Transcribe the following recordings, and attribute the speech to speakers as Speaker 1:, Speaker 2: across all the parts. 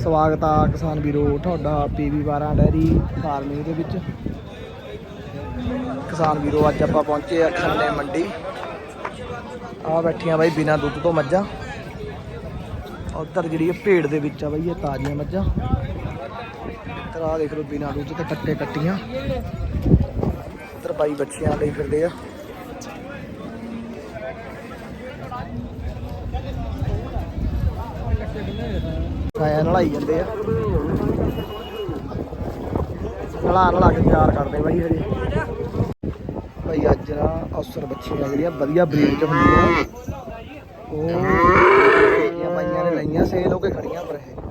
Speaker 1: ਸਵਾਗਤ ਆ ਕਿਸਾਨ ਵੀਰੋ ਤੁਹਾਡਾ PB12 ਡੈਰੀ ਫਾਰਮਿੰਗ ਦੇ ਵਿੱਚ। ਕਿਸਾਨ ਵੀਰੋ ਅੱਜ ਆਪਾਂ ਪਹੁੰਚੇ ਆ ਖੰਨੇ ਮੰਡੀ। ਆ ਬੈਠੀਆਂ ਬਾਈ ਬਿਨਾਂ ਦੁੱਧ ਤੋਂ ਮੱਝਾਂ। ਉੱਧਰ ਜਿਹੜੀ ਭੇਡ ਦੇ ਵਿੱਚ ਆ ਬਾਈ ਇਹ ਤਾਜ਼ੀਆਂ ਮੱਝਾਂ। ਇੱਧਰ ਆ ਦੇਖ ਲਓ ਬਿਨਾਂ ਦੁੱਧ ਤੇ ਕੱਟੇ ਕੱਟੀਆਂ। ਇੱਧਰ ਬਾਈ ਬੱਚਿਆਂ ਲਈ ਫਿਰਦੇ ਆ। ਸਾਇਆ ਨਲਾਈ ਜਾਂਦੇ ਆ, ਨਲਾ ਕੇ ਤਿਆਰ ਕਰਦੇ ਬਾਈ ਹਜੇ। ਬਾਈ ਅੱਜ ਨਾ ਅਫਸਰ ਬੱਚੀਆਂ ਜਿਹੜੀਆਂ ਵਧੀਆ ਬਰੀਡ ਚ ਹੁੰਦੀਆਂ ਉਹ ਬਾਈਆਂ ਨੇ ਲਈਆਂ ਸੇਲ ਹੋ ਕੇ ਖੜੀਆਂ ਪਰ ਇਹ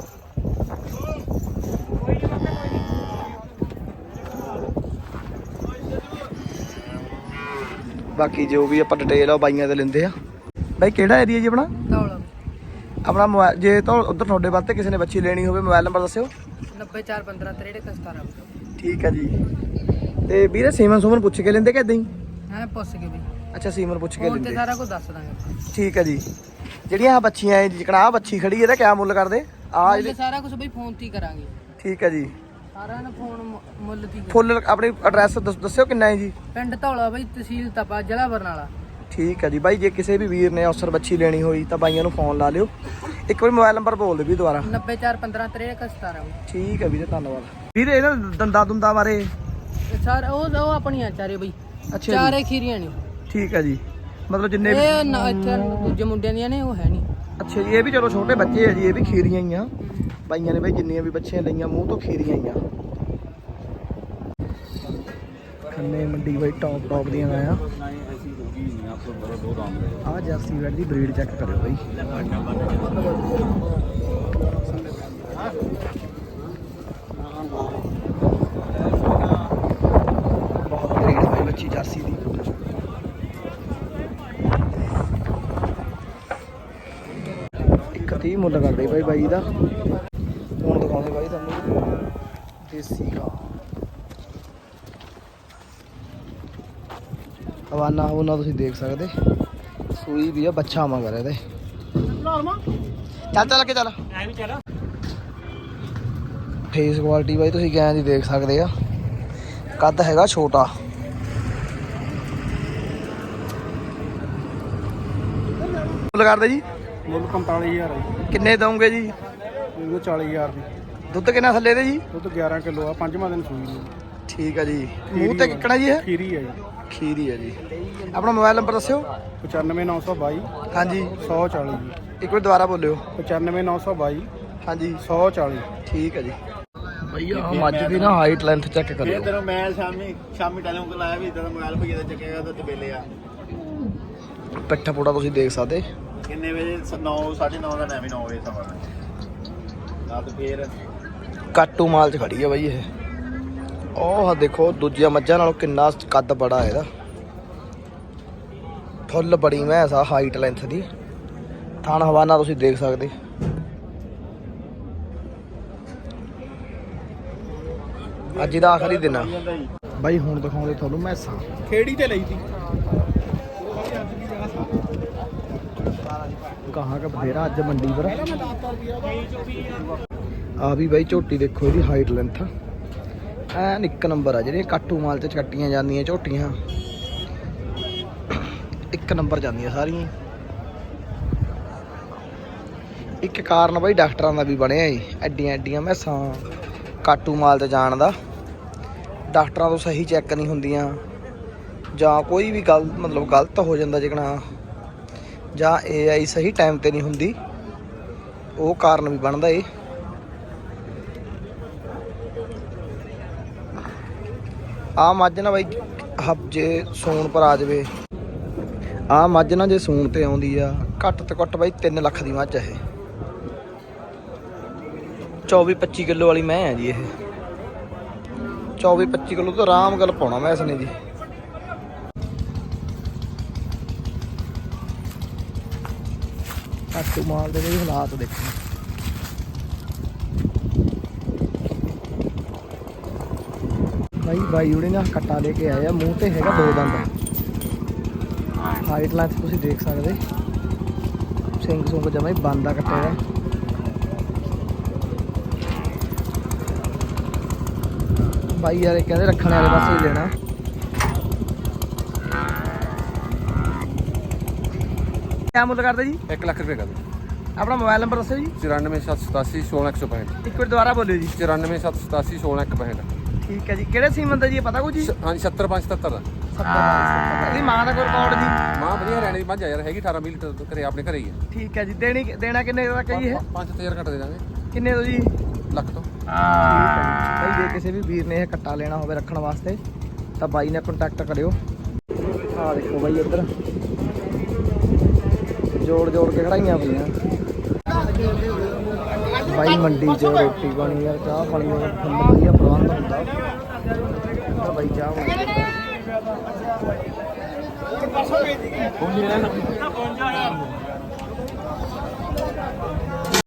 Speaker 1: ਬਾਕੀ ਜੋ ਵੀ ਆਪਾਂ ਡਿਟੇਲ ਆ ਬਾਈਆਂ ਤੇ ਲੈਂਦੇ ਆ। ਬਾਈ ਕਿਹੜਾ ਏਰੀਆ ਜੀ ਆਪਣਾ? ਆਪਣਾ ਮੋਬਾਈਲ ਜੇ ਤਾਂ ਉੱਧਰ ਤੁਹਾਡੇ ਵਾਸਤੇ ਕਿਸੇ ਨੇ ਬੱਚੀ ਲੈਣੀ ਹੋਵੇ ਮੋਬਾਈਲ ਨੰਬਰ ਦੱਸਿਓ।
Speaker 2: 9415
Speaker 1: ਠੀਕ ਹੈ ਜੀ। ਤੇ ਵੀਰੇ ਸੀਮਨ ਸੁਮਨ ਪੁੱਛ ਕੇ ਲੈਂਦੇ ਕਿ ਇਦਾਂ ਹੀ?
Speaker 2: ਹਾਂ ਪੁੱਛ ਕੇ ਬਈ।
Speaker 1: ਅੱਛਾ ਸੀਮਨ ਪੁੱਛ ਕੇ ਲੈਂਦੇ।
Speaker 2: ਸਾਰਾ ਕੁਝ ਦੱਸ ਦਾਂਗੇ।
Speaker 1: ਠੀਕ ਹੈ ਜੀ। ਜਿਹੜੀਆਂ ਆ ਬੱਚੀਆਂ ਜਿਕਣਾ ਆ ਬੱਚੀ ਖੜੀ ਇਹਦਾ ਕਿਆ ਮੁੱਲ ਕਰਦੇ? ਆ
Speaker 2: ਜਿਹੜੇ ਸਾਰਾ ਕੁਝ ਬਈ ਫੋਨ ਤੇ ਹੀ ਕਰਾਂਗੇ।
Speaker 1: ਠੀਕ ਹੈ ਜੀ।
Speaker 2: ਸਾਰਾ ਨਾ ਫੋਨ ਮੁੱਲ ਤੇ
Speaker 1: ਫੁੱਲ ਆਪਣੀ ਐਡਰੈਸ ਦੱਸਿਓ ਕਿੰਨਾ ਹੈ ਜੀ?
Speaker 2: ਪਿੰਡ ਧੌਲਾ ਬਈ, ਤਹਿਸੀਲ ਤਪਾ, ਜ਼ਿਲ੍ਹਾ ਬਰਨਾਲਾ।
Speaker 1: ਠੀਕ ਹੈ ਜੀ ਬਾਈ। ਜੇ ਕਿਸੇ ਵੀ ਵੀਰ ਨੇ ਅਫਸਰ ਬੱਚੀ ਲੈਣੀ ਹੋਈ ਤਾਂ ਬਾਈਆਂ ਨੂੰ ਫੋਨ ਲਾ ਲਿਓ। ਇੱਕ ਵਾਰੀ ਮੋਬਾਈਲ ਨੰਬਰ ਬੋਲ ਦਿਓ ਵੀ ਦੁਬਾਰਾ।
Speaker 2: 9415
Speaker 1: ਠੀਕ ਹੈ ਵੀਰੇ ਧੰਨਵਾਦ। ਵੀਰੇ ਇਹਨਾਂ ਦੰਦਾਂ ਦੁੰਦਾਂ ਬਾਰੇ
Speaker 2: ਸਰ ਉਹ ਆਪਣੀਆਂ ਚਾਰੇ ਬਈ।
Speaker 1: ਅੱਛਾ
Speaker 2: ਚਾਰੇ ਖੀਰੀਆਂ ਨੇ।
Speaker 1: ਠੀਕ ਹੈ ਜੀ। ਮਤਲਬ ਜਿੰਨੇ
Speaker 2: ਇਹ ਇੱਥੇ ਦੂਜੇ ਮੁੰਡਿਆਂ ਦੀਆਂ ਨੇ ਉਹ ਹੈ ਨਹੀਂ।
Speaker 1: ਅੱਛਾ ਜੀ। ਇਹ ਵੀ ਚਲੋ ਛੋਟੇ ਬੱਚੇ ਆ ਜੀ, ਇਹ ਵੀ ਖੀਰੀਆਂ ਹੀ ਆ ਬਾਈਆਂ ਨੇ ਬਾਈ। ਜਿੰਨੀਆਂ ਵੀ ਬੱਚੀਆਂ ਲਈਆਂ ਮੂੰਹ ਤੋਂ ਖੀਰੀਆਂ ਹੀ ਆ। ਖੰਨੇ ਮੰਡੀ ਬਾਈ ਟੌਪ ਦੀਆਂ ਆ। ਆ ਜਰਸੀ ਵੈਡ ਦੀ ਬਰੀਡ ਚੈੱਕ ਕਰਿਓ ਬਾਈ। ਬਹੁਤ ਬਰੀਡ ਬਾਈ ਬੱਚੀ ਜਰਸੀ ਦੀ। ਇੱਕ 30 ਮੁੱਲ ਕਰਦੇ ਬਾਈ ਦਾ। ਹੁਣ ਦਿਖਾਉਂਦੇ ਬਾਈ ਤੁਹਾਨੂੰ ਦੇਸੀ ਘਾਹ। ਹਵਾਨਾ ਉਹਨਾਂ ਤੁਸੀਂ ਦੇਖ ਸਕਦੇ। ਸੂਈ ਵੀ ਆ, ਬੱਚਾ ਮਗਰ ਇਹਦੇ। ਚੱਲ ਕੇ ਚੱਲ। ਫੇਸ ਕੁਆਲਿਟੀ ਬਾਈ ਤੁਸੀਂ ਗੈਂ ਦੀ ਦੇਖ ਸਕਦੇ ਆ। ਕੱਦ ਹੈਗਾ ਛੋਟਾ। ਮੁੱਲ ਕਰਦੇ ਜੀ?
Speaker 3: ਮੁੱਲ 45000 ਹੈ।
Speaker 1: ਕਿੰਨੇ ਦਊਂਗੇ ਜੀ?
Speaker 3: 40000 ਦੀ।
Speaker 1: ਦੁੱਧ ਕਿੰਨਾ ਥੱਲੇ ਦੇ ਜੀ?
Speaker 3: ਦੁੱਧ 11 ਕਿਲੋ ਆ, 5ਵਾਂ ਦਿਨ ਸੂਈ ਨੂੰ।
Speaker 1: ਠੀਕ ਆ ਜੀ। ਮੂੰਹ ਤੇ ਕਿੱਕਣਾ ਜੀ ਇਹ?
Speaker 3: ਖੀਰੀ ਹੈ ਜੀ।
Speaker 1: ਖੀਰੀ ਹੈ ਜੀ। ਆਪਣਾ ਮੋਬਾਈਲ ਨੰਬਰ ਦੱਸਿਓ।
Speaker 3: 95922
Speaker 1: ਹਾਂਜੀ
Speaker 3: 140 ਜੀ।
Speaker 1: ਇੱਕ ਵਾਰ ਦੁਬਾਰਾ ਬੋਲਿਓ।
Speaker 3: 95922
Speaker 1: ਹਾਂਜੀ
Speaker 3: 140।
Speaker 1: ਠੀਕ ਹੈ ਜੀ। ਭਈਆ ਆ ਮੱਝ ਦੀ ਨਾ ਹਾਈਟ ਲੈਂਥ ਚੈੱਕ ਕਰਿਓ।
Speaker 4: ਤੈਨੂੰ ਮੈਂ ਸ਼ਾਮੀ ਟੈਲੀਫੋਨ ਲਾਇਆ ਵੀ ਇਦਾਂ ਦਾ ਮੋਬਾਈਲ ਭਈਆ ਦਾ ਚੱਕੇਗਾ ਤਾਂ ਤਬੇਲੇ ਆ।
Speaker 1: ਪਿੱਠਾ ਪੂੜਾ ਤੁਸੀਂ ਦੇਖ ਸਕਦੇ।
Speaker 4: ਕਿੰਨੇ ਵਜੇ? 9 9:30 ਦਾ ਟਾਈਮ, 9 ਵਜੇ ਸਮਾਂ ਰਾਤ। ਫੇਰ
Speaker 1: ਕਾਟੂ ਮਾਲ 'ਚ ਖੜੀ ਆ ਬਾਈ ਇਹ। ਉਹ ਦੇਖੋ ਦੂਜੀਆਂ ਮੱਝਾਂ ਨਾਲੋਂ ਕਿੰਨਾ ਕੱਦ ਬੜਾ ਇਹਦਾ। ਫੁੱਲ ਬੜੀ ਮੈਂਸ ਆ ਹਾਈਟ ਲੈਂਥ ਦੀ। ਥਣ ਹਵਾਨਾ ਤੁਸੀਂ ਦੇਖ ਸਕਦੇ। ਅੱਜ ਦਾ ਆਖਰੀ ਦਿਨ ਆ ਬਾਈ। ਹੁਣ ਦਿਖਾਉਂਦੇ ਤੁਹਾਨੂੰ ਮੈਸਾਂ।
Speaker 3: ਖੇੜੀ ਤੇ ਲਈ ਤੀ।
Speaker 1: ਕਹਾਂ ਕਿ ਬਥੇਰਾ ਅੱਜ ਮੰਡੀ ਪਰ ਆ ਵੀ ਬਾਈ। ਝੋਟੀ ਦੇਖੋ ਇਹਦੀ ਹਾਈਟ ਲੈਂਥ ਐਨ ਇੱਕ ਨੰਬਰ ਆ। ਜਿਹੜੀਆਂ ਕਾਟੂ ਮਾਲ 'ਚ ਕੱਟੀਆਂ ਜਾਂਦੀਆਂ ਝੋਟੀਆਂ ਇੱਕ ਨੰਬਰ ਜਾਂਦੀਆਂ ਸਾਰੀਆਂ। ਇੱਕ ਕਾਰਨ ਬਾਈ ਡਾਕਟਰਾਂ ਦਾ ਵੀ ਬਣਿਆ ਏ। ਐਡੀਆਂ ਮੈਸਾਂ ਕਾਟੂ ਮਾਲ 'ਤੇ ਜਾਣ ਦਾ। ਡਾਕਟਰਾਂ ਤੋਂ ਸਹੀ ਚੈੱਕ ਨਹੀਂ ਹੁੰਦੀਆਂ ਜਾਂ ਕੋਈ ਵੀ ਗੱਲ ਮਤਲਬ ਗਲਤ ਹੋ ਜਾਂਦਾ ਜਿਕਣਾ, ਜਾਂ AI ਸਹੀ ਟਾਈਮ 'ਤੇ ਨਹੀਂ ਹੁੰਦੀ। ਉਹ ਕਾਰਨ ਵੀ ਬਣਦਾ ਏ। ਆ ਮੱਝ ਨਾ ਬਾਈ ਜੇ ਸੂਣ ਪਰ ਆ ਜਾਵੇ। ਆ ਮੱਝ ਨਾ ਜੇ ਸੂਣ ਤੇ ਆਉਂਦੀ ਆ ਘੱਟ ਤੋਂ ਘੱਟ ਬਾਈ 3 ਲੱਖ ਦੀ ਮੱਝ ਆ ਇਹ। 24-25 ਕਿਲੋ ਵਾਲੀ ਮੈਂ ਆ ਜੀ ਇਹ। 24-25 ਕਿਲੋ ਤਾਂ ਆਰਾਮ ਗੱਲ ਪਾਉਣਾ ਮੈਂ ਇਸਨੇ ਜੀ। ਕਾਟੂ ਮਾਲ ਦੇ ਵੀ ਹਾਲਾਤ ਦੇਖੋ। ਬਾਈ ਉਹਨੇ ਨਾ ਕੱਟਾ ਲੈ ਕੇ ਆਏ ਆ। ਮੂੰਹ ਤੇ ਹੈਗਾ 2 ਦੰਦ। ਹਾਈਟ ਲੈਂਥ ਤੁਸੀਂ ਦੇਖ ਸਕਦੇ। ਸਿੰਘ ਸੁੰਗ ਜਮਾ ਹੀ ਬੰਦ ਆ ਕੱਟੇ ਦਾ। ਬਾਈ ਯਾਰ ਇਹ ਕਹਿੰਦੇ ਰੱਖਣ ਵਾਲੇ ਪਾਸੇ ਹੀ ਲੈਣਾ। ਕਿਆ ਮੁੱਲ ਕਰਦੇ ਜੀ?
Speaker 5: 1 ਲੱਖ ਰੁਪਏ ਕਰ ਦਿਓ।
Speaker 1: ਆਪਣਾ ਮੋਬਾਈਲ ਨੰਬਰ ਦੱਸੋ ਜੀ।
Speaker 5: 94787 16165।
Speaker 1: ਇੱਕ ਵਾਰ ਦੁਬਾਰਾ ਬੋਲਿਓ ਜੀ।
Speaker 5: 94787 16165।
Speaker 1: ਠੀਕ ਹੈ ਜੀ। ਕਿਹੜੇ ਸੀਮਨ ਦਾ ਜੀ ਇਹ ਪਤਾ ਕੁਝ ਜੀ?
Speaker 5: ਹਾਂਜੀ 70577 ਦਾ।
Speaker 1: 70 ਇਹਦੀ ਮਾਂ ਦਾ ਕੋਈ ਰਿਕਾਰਡ ਜੀ?
Speaker 5: ਮਾਂ ਵਧੀਆ ਰਹਿਣੇ ਦੀ ਮੱਝ ਆ ਯਾਰ, ਹੈਗੀ 18 20 ਲੀਟਰ ਘਰੇ, ਆਪਣੇ ਘਰੇ ਹੀ ਹੈ।
Speaker 1: ਠੀਕ ਹੈ ਜੀ। ਦੇਣਾ ਕਿੰਨੇ ਦਾ ਕਹੀ ਇਹ?
Speaker 5: 5-7000 ਘੱਟ ਦੇ ਦਾਂਗੇ।
Speaker 1: ਕਿੰਨੇ ਤੋਂ ਜੀ?
Speaker 5: ਲੱਖ ਤੋਂ।
Speaker 1: ਠੀਕ ਹੈ ਜੀ। ਬਾਈ ਜੇ ਕਿਸੇ ਵੀ ਵੀਰ ਨੇ ਇਹ ਕੱਟਾ ਲੈਣਾ ਹੋਵੇ ਰੱਖਣ ਵਾਸਤੇ ਤਾਂ ਬਾਈ ਨਾਲ ਕੰਟੈਕਟ ਕਰਿਓ। ਆਹ ਦੇਖੋ ਬਾਈ ਇੱਧਰ ਜੋੜ ਕੇ ਖੜਾਈਆਂ ਪਈਆਂ ਬਾਈ ਮੰਡੀ 'ਚ। ਰੋਟੀ ਪਾਣੀ ਯਾਰ ਚਾਹ ਪਾਣੀ ਦਾ ਫੁੱਲ ਵਧੀਆ ਪ੍ਰਬੰਧ ਹੁੰਦਾ ਤਾਂ ਬਾਈ ਚਾਹ ਪਾਣੀ